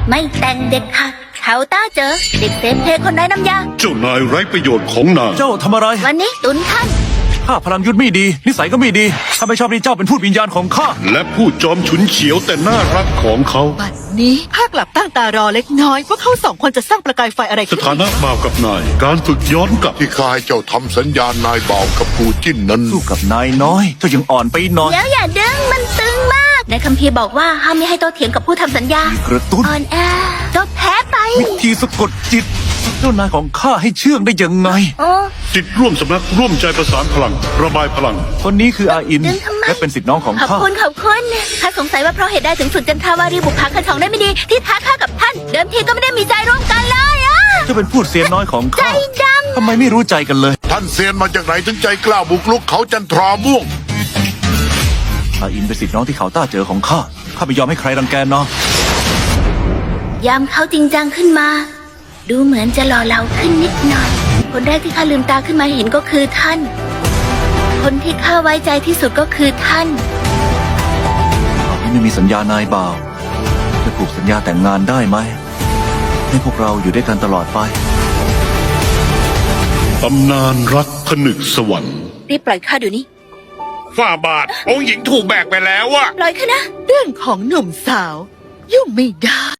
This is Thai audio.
ไม่แต่งเด็ดขาดเขาต้าเจอเด็กเซฟเพลคนไร้น้ำยาเจ้านายไร้ประโยชน์ของนางเจ้าทำอะไรวันนี้ตุนท่านข้าพลังยุทธไม่ดี นิสัยก็ไม่ดีข้าไม่ชอบที่เจ้าเป็นพูดวิญญาณของข้าและผู้จอมฉุนเฉียวแต่น่ารักของเขาบัดนี้ข้ากลับตั้งตารอเล็กน้อยว่าเขาสองคนจะสร้างประกายไฟอะไรสขึ้นถานะบ่าวกับนาย การฝึกย้อนกลับที่ข้าให้เจ้าทำสัญญาณนายบ่าวกับปูจิ้นนั้นสู้กับนายน้อยเจ้ายังอ่อนไปหน่อยเดี๋ยวอย่าดึงมันตึงมาก ในคัมภีร์บอกว่าห้ามไม่ให้โต้เถียงกับผู้ทำสัญญากระตุ้นอ่อนแอก็แพ้ไปวิธีสะกดจิตเจ้านายของข้าให้เชื่องได้ยังไงโอ้จิตร่วมสำนักร่วมใจประสานพลัง ระบายพลังคนนี้คืออาอินดึงทำไมและเป็นสิทธิ์น้องของขอบข้าคุณข้าสงสัยว่าเพราะเหตุใดถึงฝึกจันทาวารีบุกผาคันสองได้ไม่ดี ที่ท้าข้ากับท่าน เดิมทีก็ไม่ได้มีใจร่วมกันเลยอะเจ้าเป็นพูดเสียน้อยของใจข้าดทำไมไม่รู้ใจกันเลยท่านเซียนมาจากไหนถึงใจกล้าบุกลุกเขาจันทราม่วงอาอินเป็นสิทธิ์น้องที่เขาต้าเจอของข้าข้าไม่ยอมให้ใครรังแกน้องำยามเขาจริงจังขึ้นมา ดูเหมือนจะหล่อเหลาขึ้นนิดหน่อย คนแรกที่ข้าลืมตาขึ้นมาเห็นก็คือท่าน คนที่ข้าไว้ใจที่สุดก็คือท่านอาอินไม่มีสัญญานายบ่าวจะผูกสัญญาแต่งงานได้ไหมให้พวกเราอยู่ด้วยกันตลอดไปตำนานรักผนึกสวรรค์รีบปล่อยข้าเดี๋ยวนี้ฝ่าบาท องค์หญิงถูกแบกไปแล้วอะปล่อยข้านะเรื่องของหนุ่มสาว ยุ่งไม่ได้